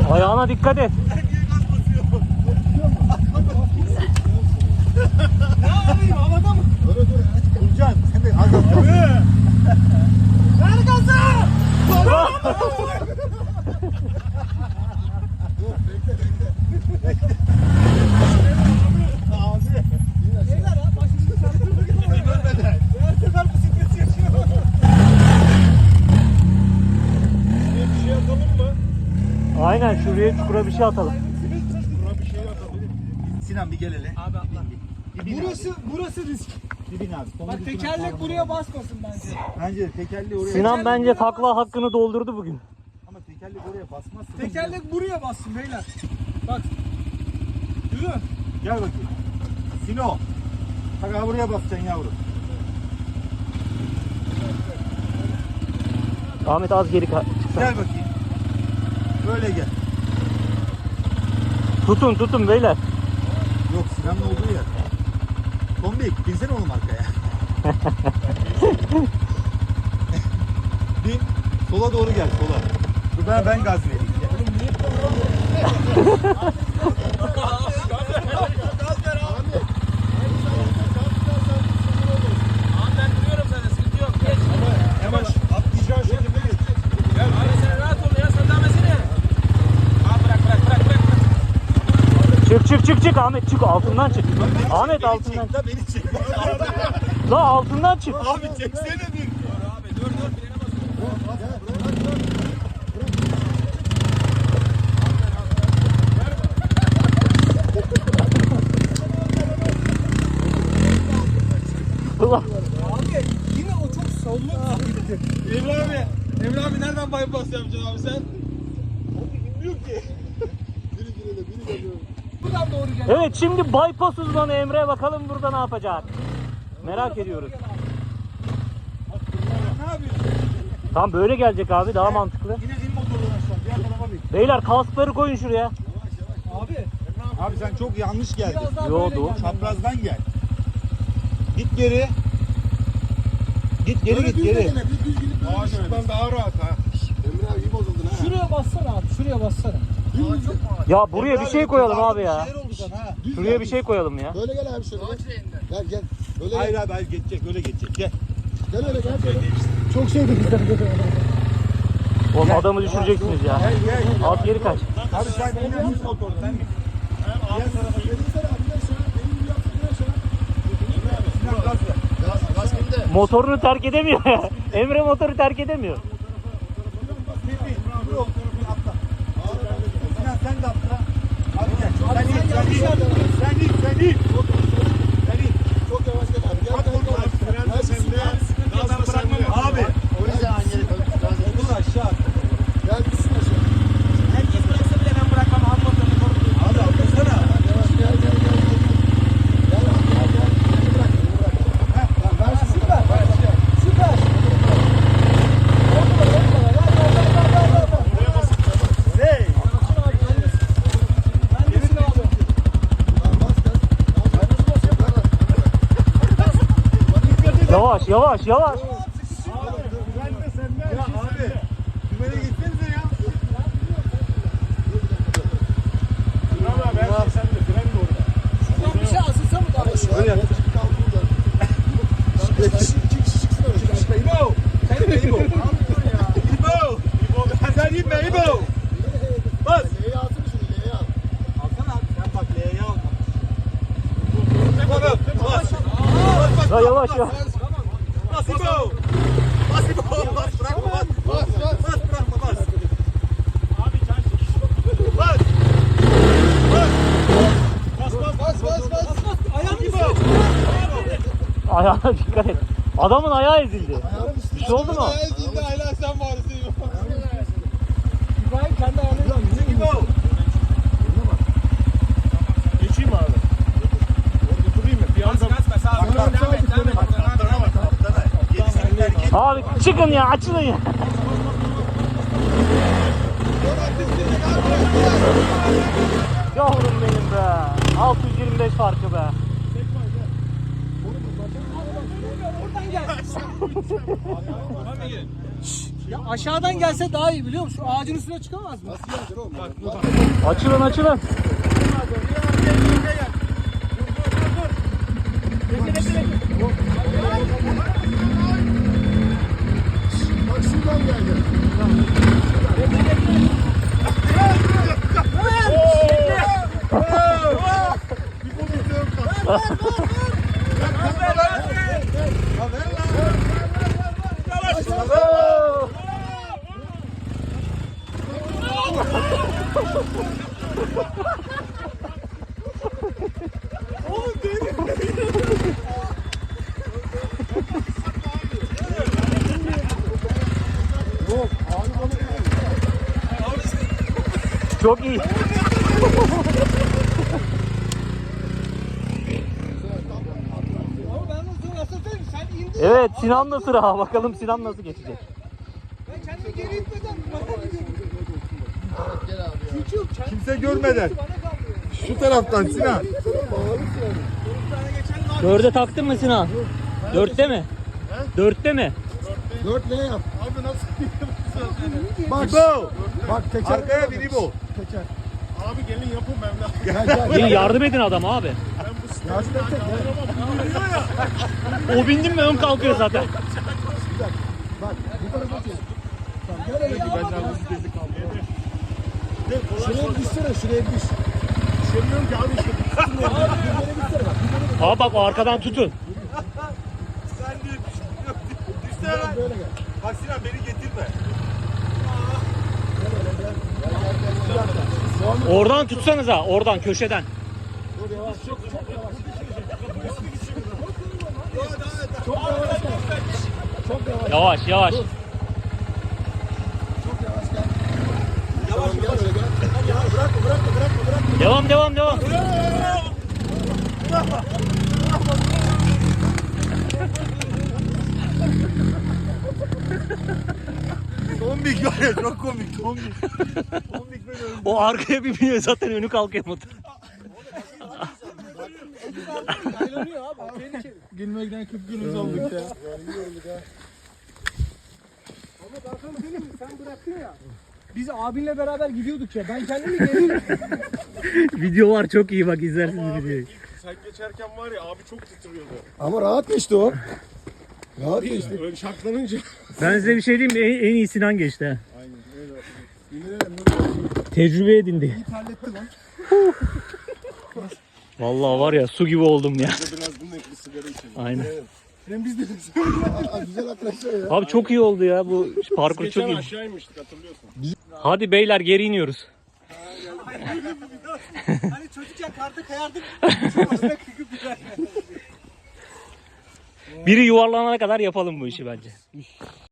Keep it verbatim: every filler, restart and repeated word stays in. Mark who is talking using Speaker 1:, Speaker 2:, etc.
Speaker 1: Ayağına dikkat et.
Speaker 2: Ne yapayım, havada mı?
Speaker 3: Dur dur. Bulcan sen de az az.
Speaker 2: Ver gazı!
Speaker 3: Dur bekle bekle. Abi.
Speaker 2: Beyler ha, başımızı çarptırdık.
Speaker 3: Görmeden.
Speaker 2: Her sefer bisiklet yaşıyor.
Speaker 3: Bir şey yapalım mı?
Speaker 1: Aynen şuraya çukura bir şey atalım.
Speaker 3: Buna bir şey yapalım. Sinan bir gel hele.
Speaker 2: Abi atla.
Speaker 3: Bir bin
Speaker 2: Burası, burası risk.
Speaker 3: abi. Bir bin abi. Sonra
Speaker 2: Bak
Speaker 3: bir
Speaker 2: tekerlek
Speaker 3: bin
Speaker 2: buraya
Speaker 3: abi.
Speaker 2: basmasın bence.
Speaker 3: Bence de tekerleği oraya.
Speaker 1: Sinan bence takla hakkını doldurdu bugün.
Speaker 3: Ama tekerlek oraya basmazsa.
Speaker 2: Tekerlek buraya bassın beyler. Bak. Yürü.
Speaker 3: Gel bakayım. Sino. Bak abi buraya basacaksın yavrum.
Speaker 1: Ahmet az geri ka- çıksana.
Speaker 3: Gel bakayım. Böyle gel.
Speaker 1: Tutun tutun beyler.
Speaker 3: Yok Sinan'ın olduğu yer. Tombik binsene oğlum arkaya. Bin. Sola doğru gel sola. Dur ben, ben gaz vereyim.
Speaker 4: Ben duruyorum zaten, sıkıntı yok. Geç.
Speaker 3: Hemen atlayacağın şekilde geç.
Speaker 4: Gel. Abi sen rahat ol ya, sen devam etsene. Abi bırak bırak bırak bırak.
Speaker 1: Çık çık çık çık Ahmet çık altından çık. Ahmet
Speaker 3: Beni
Speaker 1: altından.
Speaker 3: çek, da beni çek.
Speaker 1: La altından çık.
Speaker 3: Abi çeksene bir.
Speaker 4: Abi dur dur, frene basıyorum.
Speaker 1: Ulan.
Speaker 2: Abi yine o çok sollu gitti.
Speaker 4: Emre abi. Emre abi nereden bypass yapacaksın abi sen?
Speaker 3: Bilmiyorum ki. Biri girele biri geliyor.
Speaker 2: Buradan doğru gel.
Speaker 1: Evet şimdi bypass uzmanı Emre bakalım burada ne yapacak. Merak ediyoruz.
Speaker 3: Ne yapıyorsun?
Speaker 1: Tam böyle gelecek abi daha mantıklı.
Speaker 3: Yine in motordan aşağı. Diğer tarafa bir.
Speaker 1: Beyler kaskları koyun şuraya.
Speaker 2: Abi
Speaker 3: Abi sen çok yanlış geldin.
Speaker 2: biraz daha
Speaker 1: Yo,
Speaker 2: böyle
Speaker 1: doğru.
Speaker 2: gel.
Speaker 3: Çaprazdan gel. Git geri. Git geri git geri.
Speaker 5: Ağaçlıktan daha rahat ha. Emre abi iyi bozuldun ha.
Speaker 2: Şuraya bassana abi, şuraya bassana.
Speaker 1: Ya buraya bir şey koyalım abi
Speaker 3: Bir
Speaker 1: ya.
Speaker 3: şeyler oldu sana ha.
Speaker 1: Şuraya bir şey koyalım ya.
Speaker 5: Böyle gel abi şöyle. Gel gel. Böyle
Speaker 3: Hayır
Speaker 5: gel.
Speaker 3: abi hayır geçecek öyle geçecek. Gel.
Speaker 5: Gel öyle gel. Böyle.
Speaker 2: Çok şeydi bizden dedi.
Speaker 1: Oğlum adamı düşüreceksiniz ya.
Speaker 3: Gel gel.
Speaker 1: Az geri kaç.
Speaker 3: Abi sen benim üst motoru sen mi? Diğer tarafa gel.
Speaker 5: Gel abi gel aşağı. Benim gibi yaptın gel aşağı.
Speaker 3: Sinan gaz ver.
Speaker 5: Gaz, gaz kimde?
Speaker 1: Motorunu terk edemiyor ya. Emre motoru terk edemiyor.
Speaker 3: Tepi. Dur o tarafına atla. Sinan sen de atla. Abi gel. Sen in sen in. Sen in sen in. Sen in.
Speaker 5: Çok yavaş gel abi. Gel
Speaker 3: Bak
Speaker 5: gel
Speaker 3: oğlum,
Speaker 5: gel.
Speaker 3: fren de
Speaker 5: Gel,
Speaker 3: sende.
Speaker 5: gaz
Speaker 3: Gazdan
Speaker 5: da sende.
Speaker 3: bırakmam. Abi.
Speaker 5: O yüzden aynı yere koy. Gaz da-
Speaker 3: Okulu aşağı.
Speaker 5: Gel düşsün aşağı.
Speaker 4: Herkes bıraksa bile ben bırakmam. Ham motorunu korudum.
Speaker 3: Abi atlasana.
Speaker 5: Yavaş gel gel gel. Gel abi gel gel. Beni bırak beni bırak. Heh, tamam, ver şimdi.
Speaker 2: Süper.
Speaker 5: Ver, gel.
Speaker 2: Süper.
Speaker 3: Hey.
Speaker 2: Neredesin abi?
Speaker 5: Tamam, bas gaz. Gaz nasıl basıyor? Bırak.
Speaker 1: Yavaş yavaş yavaş.
Speaker 3: Ya abi. Dümene gitsenize ya. Bravo abi. Her şey sende. Fren de orada.
Speaker 2: Şuradan bir şey asılsa mı daha?
Speaker 3: Öyle yap.
Speaker 5: İki kişi iki kişi çıksın öyle. İki kişi.
Speaker 3: İbo. Sen de İbo. İbo. İbo. Sen inme İbo. Bas.
Speaker 5: L'ye atın şunu L'ye at.
Speaker 3: Alsana abi. Sen bak L'ye al. Bas. Bas. Bas.
Speaker 1: Ya yavaş ya.
Speaker 3: Bas İbo. Bas İbo. Bas. Bırakma bas.
Speaker 5: Bas bas.
Speaker 3: Bas bırakma bas. Abi can Bas. Bas. Bas bas
Speaker 5: Bas bas bas.
Speaker 2: Ayağını
Speaker 3: İbo.
Speaker 1: Ayağına dikkat et. Adamın ayağı ezildi. Bir şey oldu mu?
Speaker 5: Ezildi hala sen varsın.
Speaker 2: İbrahim kendi ayağını
Speaker 3: İbo. Geçeyim abi. Orada durayım mı? Bir
Speaker 4: Gaz
Speaker 3: anda
Speaker 4: gaz be. Sağ ol. Devam et. Devam et.
Speaker 3: kaptana bak kaptana. Gerisini terk et.
Speaker 1: Abi çıkın ya açılın ya. Yavrum benim be. altı yüz yirmi beş farkı be.
Speaker 2: oradan gel.
Speaker 4: Tamam mı?
Speaker 2: Ya aşağıdan gelse daha iyi biliyor musun? Şu ağacın üstüne çıkamaz mı?
Speaker 5: Nasıl gelecek oğlum? Bak,
Speaker 1: Açılın açılın.
Speaker 5: bak şuradan geldi. Yok, abi balık değil.
Speaker 1: Çok iyi.
Speaker 2: Ama ben nasıl nasıl söyleyeyim? Sen indin.
Speaker 1: Evet Sinan'la sıra. Bakalım Sinan nasıl geçecek.
Speaker 2: Ben kendimi geri itmeden bana gidiyorum.
Speaker 5: Gel abi ya.
Speaker 2: Çünkü kendi-
Speaker 3: Kimse görmeden.
Speaker 2: Bana kalmıyor.
Speaker 3: Şu taraftan Sinan.
Speaker 1: Dörde taktın mı Sinan? Dörtte mi? Dörtte mi?
Speaker 5: Dört ne yap?
Speaker 3: Abi nasıl
Speaker 5: Bak,
Speaker 3: İbo.
Speaker 5: bak teker.
Speaker 3: Arkaya bin İbo.
Speaker 5: Teker.
Speaker 3: Abi gelin yapın ben de.
Speaker 5: Gel gel
Speaker 1: İyi
Speaker 5: gel.
Speaker 1: yardım edin adam abi.
Speaker 5: Yardım et de gel.
Speaker 1: O bindim mi ön kalkıyor zaten.
Speaker 5: Bak bu tarafa çek. Tamam gel hele.
Speaker 3: Benden bu sitesi kaldı.
Speaker 5: Şuraya bir düşsene, şuraya bir düş.
Speaker 3: Düşemiyorum ki abi işte.
Speaker 1: Abi bak o arkadan tutun.
Speaker 3: Sen de düşsene lan.
Speaker 5: Böyle gel.
Speaker 3: Bak Sinan beni getirme.
Speaker 5: Bir dakika. Devam et.
Speaker 1: Oradan tutsanıza oradan köşeden.
Speaker 5: Dur yavaş. Çok çok yavaş. Çok yavaş gel. Çok yavaş.
Speaker 1: Yavaş yavaş.
Speaker 5: Çok yavaş gel. Yavaş gel öyle gel. Bırakma bırakma bırakma bırakma.
Speaker 1: Devam devam devam.
Speaker 3: Tombik var ya çok komik tombik. Tombik böyle öldü.
Speaker 1: O arkaya bir biniyor zaten önü kalkamadı.
Speaker 2: Yaylanıyor abi. Tehlikeli.
Speaker 3: Gülmekten kıpkırmızı olduk ya.
Speaker 2: Ama ben sana söyleyeyim mi? Sen bıraktın ya. Biz abinle beraber gidiyorduk ya. Ben kendimi geri
Speaker 1: Video var çok iyi bak izlersiniz videoyu.
Speaker 3: Sen geçerken var ya abi çok titriyordu.
Speaker 5: Ama rahat geçti o. Rahat geçti.
Speaker 3: Öyle şaklanınca.
Speaker 1: Ben size bir şey diyeyim mi? En, en iyi Sinan geçti ha.
Speaker 3: Aynen öyle.
Speaker 5: Yemin ederim böyle
Speaker 1: Tecrübe edindi.
Speaker 5: iyi terletti lan.
Speaker 1: Vallahi var ya su gibi oldum ya.
Speaker 3: Biraz bununla bir sigara içelim.
Speaker 1: Aynen.
Speaker 3: Hem biz de
Speaker 5: Aa, güzel arkadaşlar ya.
Speaker 1: Abi çok iyi oldu ya bu parkur çok iyi.
Speaker 3: aşağı inmiştik hatırlıyorsun.
Speaker 1: Hadi beyler geri iniyoruz.
Speaker 2: Hani çocukken karda kayardık. Şu başına kıkıp gider.
Speaker 1: Biri yuvarlanana kadar yapalım bu işi bence.